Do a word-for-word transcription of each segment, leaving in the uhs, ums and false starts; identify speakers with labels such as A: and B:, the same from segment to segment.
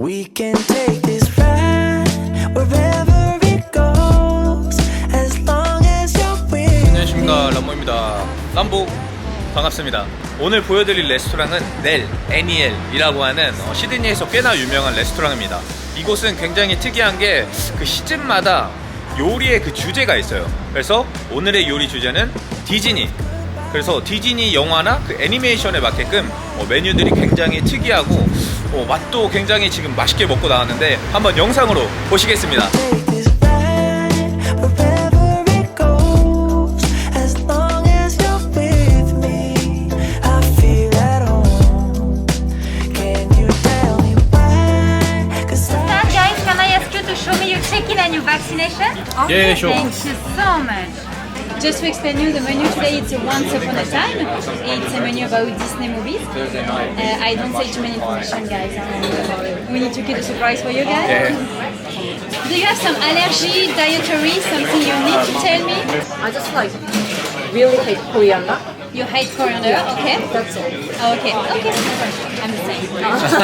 A: We can take this ride wherever it goes as long as you're with
B: 안녕하십니까, 람보입니다. 람보 반갑습니다. 오늘 보여드릴 레스토랑은 넬 애니엘이라고 하는 어, 시드니에서 꽤나 유명한 레스토랑입니다. 이곳은 굉장히 특이한 게 그 시즌마다 요리의 그 주제가 있어요. 그래서 오늘의 요리 주제는 디즈니. 그래서 디즈니 영화나 그 애니메이션에 맞게끔 어, 메뉴들이 굉장히 특이하고 어, 맛도 굉장히 지금 맛있게 먹고 나왔는데 한번 영상으로 보시겠습니다.
A: take this ride wherever it goes as long as you're with me. I feel at home. Can you tell me why? 'Cause I
C: Sir, guys, can I ask you to show me your check-in and your vaccination?
B: Yeah, sure.
C: Thank you so much. Just to explain you, the menu today it's a Once Upon a Time. It's a menu about Disney movies. Uh, I don't say too many information, guys. We need to keep a surprise for you guys.
B: 네.
C: Do you have some allergy, dietary, something you need to tell me?
D: I just like really hate coriander.
C: You hate coriander, okay?
D: That's all.
C: Okay, okay. I'm the same.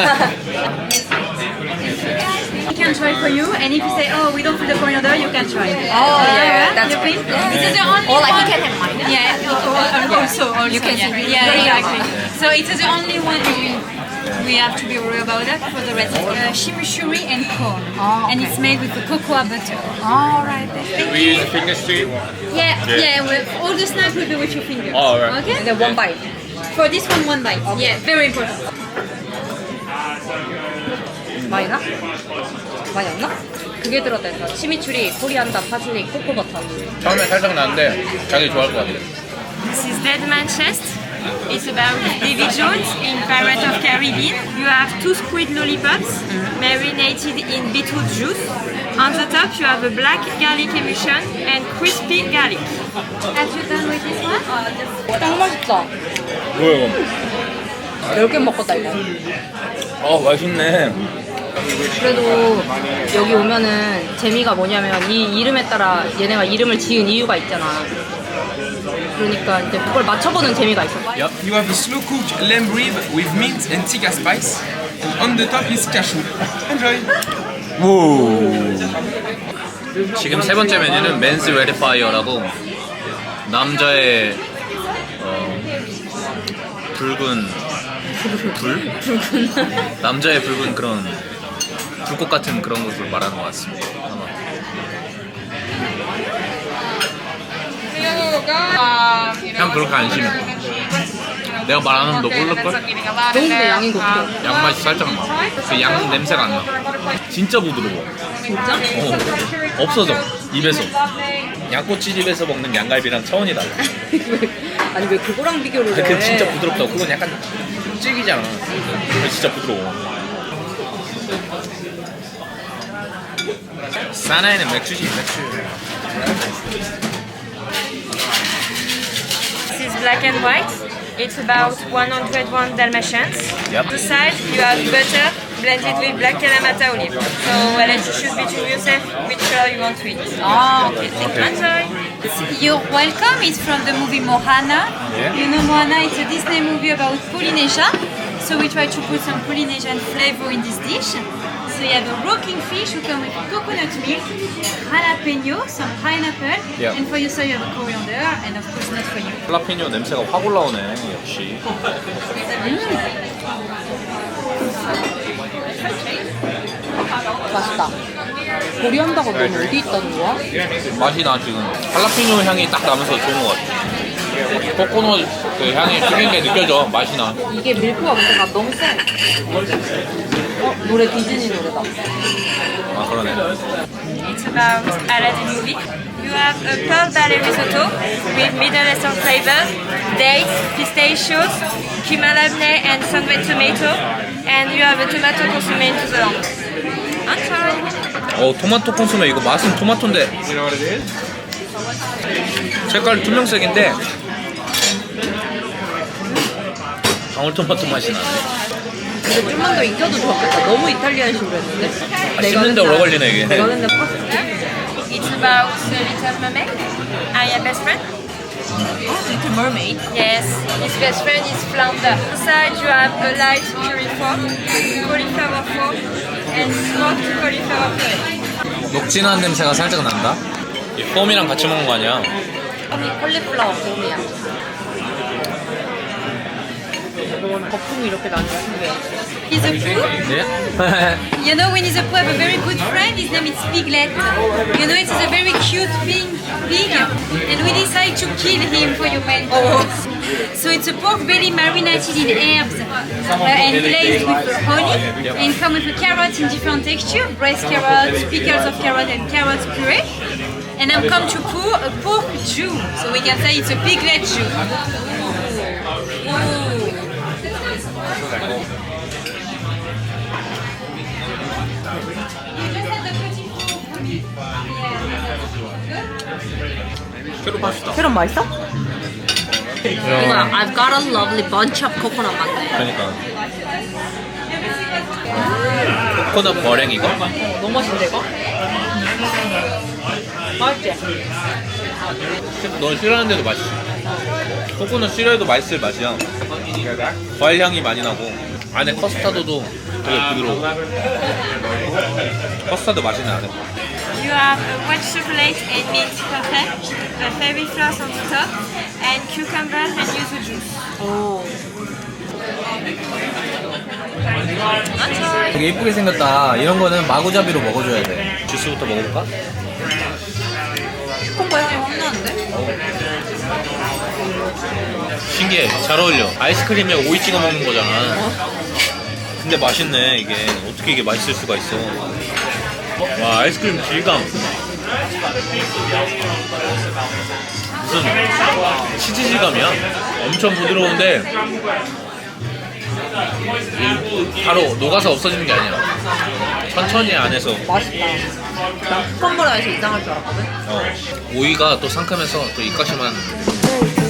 C: We can try for you, and if you say, oh, we don't feel the coriander, you can try.
D: Oh, yeah, that's
C: you please?
D: great.
C: This is the only
D: Or like
C: one.
D: you can have mine.
C: Yeah, al- also, also.
D: You can
C: yeah.
D: see.
C: Yeah,
D: Yeah.
C: exactly. So it is the only one we, we have to be worried about that. For the rest, uh, chimichurri and corn.
D: Oh,
C: And
D: okay.
C: it's made with the cocoa butter.
D: All right.
B: We use finger street.
C: Yeah,
B: Yeah.
C: yeah, with, all the snacks will be with your fingers.
B: Oh, all right.
C: Okay?
D: And then one bite.
C: For this one, one bite. Yeah, very important.
D: 많이 나? 많이 안 나? 그게 들었다 했어. 치미추리, 코리안다, 파슬리, 코코버터.
B: 처음에 살짝 나는데 자기 좋아할 것 같아요.
E: This is Deadman Chest. It's about Davy Jones in Pirates of Caribbean. You have two squid lollipops marinated in beetroot juice. On the top you have a black garlic emulsion and crispy garlic.
C: Have you done with this one?
D: 딱 맛있다.
B: 뭐야
D: 열 개 먹었다 이거.
B: 이거? 아 맛있네.
D: 그래도 여기 오면은 재미가 뭐냐면 이 이름에 따라 얘네가 이름을 지은 이유가 있잖아. 그러니까 이제 그걸 맞춰보는 재미가 있어.
F: Yep. You have a slow cooked lamb rib with mint and tikka spice. And on the top is cashew. Enjoy!
B: 지금 세 번째 메뉴는 맨스 레드파이어라고 남자의 어, 붉은 불? 붉은 남자의 붉은 그런 불꽃 같은 그런 것을 말하는 것 같습니다. 아마. 향 그렇게 안 심해. 내가 말하는 너 모를걸?
D: 좋은데 양이 높아.
B: 양맛이 살짝 나. 그 양 냄새가 안 나. 진짜 부드러워.
D: 진짜?
B: 어, 없어져 입에서. 양꼬치집에서 먹는 양갈비랑 차원이 달라.
D: 아니 왜 그거랑 비교를 해?
B: 그 진짜 부드럽다고. 그건 약간 질기잖아. 근데 진짜 부드러워. 사나이는 맥주지 맥주.
E: This is black and white. It's about one hundred one Dalmatians.
B: Yep.
E: The side you have butter blended with black Kalamata olive. So I'll let you choose between yourself which color you want to eat.
D: 아 오케이.
B: Okay.
E: Enjoy!
C: You're welcome. It's from the movie Moana.
B: Yeah.
C: You know Moana, it's a Disney movie about Polynesia. So we try to put some Polynesian flavor in this dish. So you have a rocking fish who come with coconut milk, jalapeno, some pineapple,
B: Yeah.
C: and for you, so you have a coriander, and of course not for you.
B: 할라피뇨 냄새가 확 올라오네 역시.
D: 맛있다. 코리안다가 넌 어디 있다는 거야?
B: 맛이 나 지금. 할라피뇨 향이 딱 나면서 좋은 것 같아. 코코넛 그 향이 튀긴 게 느껴져. 맛이 나.
D: 이게 밀크가 뭔가 너무 세. 어? 노래 디즈니 노래다.
B: 아 그러네.
E: It's about Aladdin movie. You have a pearl barley risotto with Middle Eastern flavors, dates, pistachios, cumin labneh and sunwet tomato, and you have a tomato consommé into the lamb. Enjoy!
B: 어 토마토 콘소메. 이거 맛은 토마토인데 색깔 투명색인데 방울토마토 맛이 나네.
D: 근데 좀만 더 익혀도 좋았겠다. 너무 이탈리안식으로 했는데.
B: 아, 씹는데 오래 걸리네 이게.
D: 내가 했는데 파스타.
E: It's about the little mermaid. I am best friend.
D: Little Mermaid.
E: Yes, his best friend is flounder. Inside you have a light curry fork, cauliflower fork, and smoked cauliflower puree.
B: 녹진한 냄새가 살짝 난다. 이 폼이랑 같이 먹는 거 아니야?
D: 이 콜리플라워 봄이야. 거품이 이렇게 나는 거 신기해.
C: He's a poo.
B: 네?
C: You know, Winnie the Pooh have a very good friend. His name is Piglet. You know, it is a very cute pig, pig, and we decided to kill him for your man. So it's a pork belly marinated in herbs uh, and glazed with honey, and come with a carrot in different texture, braised carrots, pickles of carrot, and carrot puree. And I'm come to pour a pork Jew, so we can say it's a piglet Jew.
B: 새로 맛있다.
D: 캐럿 맛있어? 이거 I've got a lovely bunch of coconut 맛네.
B: 그러니까. 코코넛 머랭 이거?
D: 너무 맛있는데 이거? 맛있지?
B: 넌 싫어하는데도 맛있어. 코코넛 싫어해도 맛있을 맛이야. 과일 향이 많이 나고 안에 커스타드도 되게 부드러워. 커스타드 맛이 나네.
E: You have a white chocolate and mint parfait, a fairy floss on the top, and cucumber and yuzu juice.
B: 되게 예쁘게 생겼다. 이런 거는 마구잡이로 먹어줘야 돼. 주스부터 먹어볼까?
D: 콤보 향이 확 나는데?
B: 신기해. 잘 어울려. 아이스크림에 오이 찍어 먹는 거잖아. 근데 맛있네 이게. 어떻게 이게 맛있을 수가 있어. 와, 아이스크림 질감. 무슨 치즈 질감이야. 엄청 부드러운데 바로 녹아서 없어지는 게 아니라 천천히 안에서.
D: 맛있다. 난 콤보라 해서 이상할 줄 알았거든?
B: 어, 오이가 또 상큼해서 또 입가심한